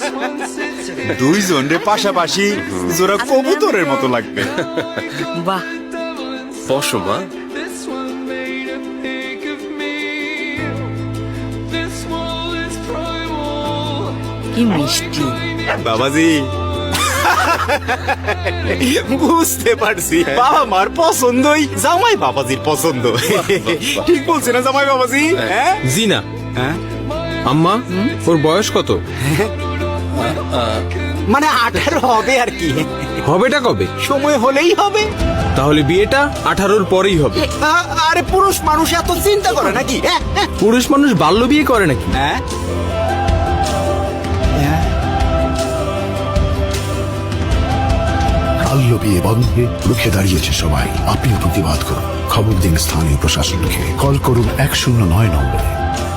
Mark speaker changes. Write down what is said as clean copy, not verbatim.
Speaker 1: দুইজন রে পাশাপাশি জোড়া কবুতরের মতো লাগবে।
Speaker 2: বাহ,
Speaker 3: বসো মা।
Speaker 2: কি মিষ্টি।
Speaker 1: বাবাজি বুঝতে পারছি, বাবা মার পছন্দই জামাই বাবাজির পছন্দ। ঠিক বলছে না জামাই বাবাজি? হ্যাঁ
Speaker 4: জি না।
Speaker 1: হ্যাঁ?
Speaker 4: আম্মা, ওর বয়স কত?
Speaker 1: মানে 18 হবে আর কি,
Speaker 4: হবেটা কবে?
Speaker 1: সময় হলেই হবে।
Speaker 4: তাহলে বিয়েটা 18-র পরেই হবে।
Speaker 1: আরে পুরুষ মানুষ এত চিন্তা করে নাকি?
Speaker 4: পুরুষ মানুষ বাল্য বিয়ে করে নাকি?
Speaker 1: হ্যাঁ
Speaker 5: বাল্য বিয়ে বন্ধে রুখে দাঁড়িয়েছে সবাই। আপনিও প্রতিবাদ করুন। খবর দিন স্থানীয় প্রশাসনকে। কল করুন 109 নম্বরে।